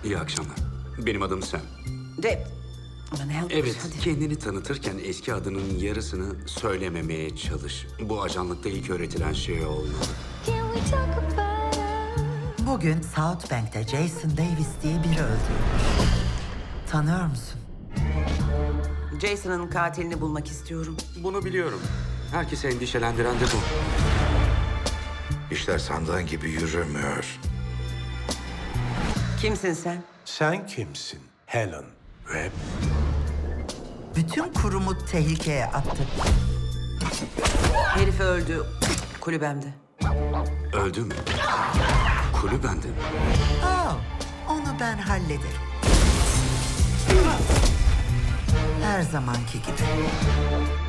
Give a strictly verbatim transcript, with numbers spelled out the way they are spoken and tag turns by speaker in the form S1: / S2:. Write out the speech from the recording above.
S1: İyi akşamlar. Benim adım Sam.
S2: De... Aman help.
S1: Evet,
S2: Hadi.
S1: kendini tanıtırken eski adının yarısını söylememeye çalış. Bu ajanlıkta ilk öğretilen şey olmalı.
S3: Can we talk about us?
S4: Bugün South Bank'te Jason Davis diye biri öldürülmüş. Tanıyor musun?
S2: Jason'ın katilini bulmak istiyorum.
S1: Bunu biliyorum. Herkesi endişelendiren de bu.
S5: İşler sandığın gibi yürümüyor.
S2: Kimsin sen?
S6: Sen kimsin? Helen Webb.
S4: Bütün kurumu tehlikeye attı.
S2: Herif öldü. Kulübemde.
S1: Öldü mü? Kulübende mi?
S4: Oh, onu ben hallederim. Her zamanki gibi.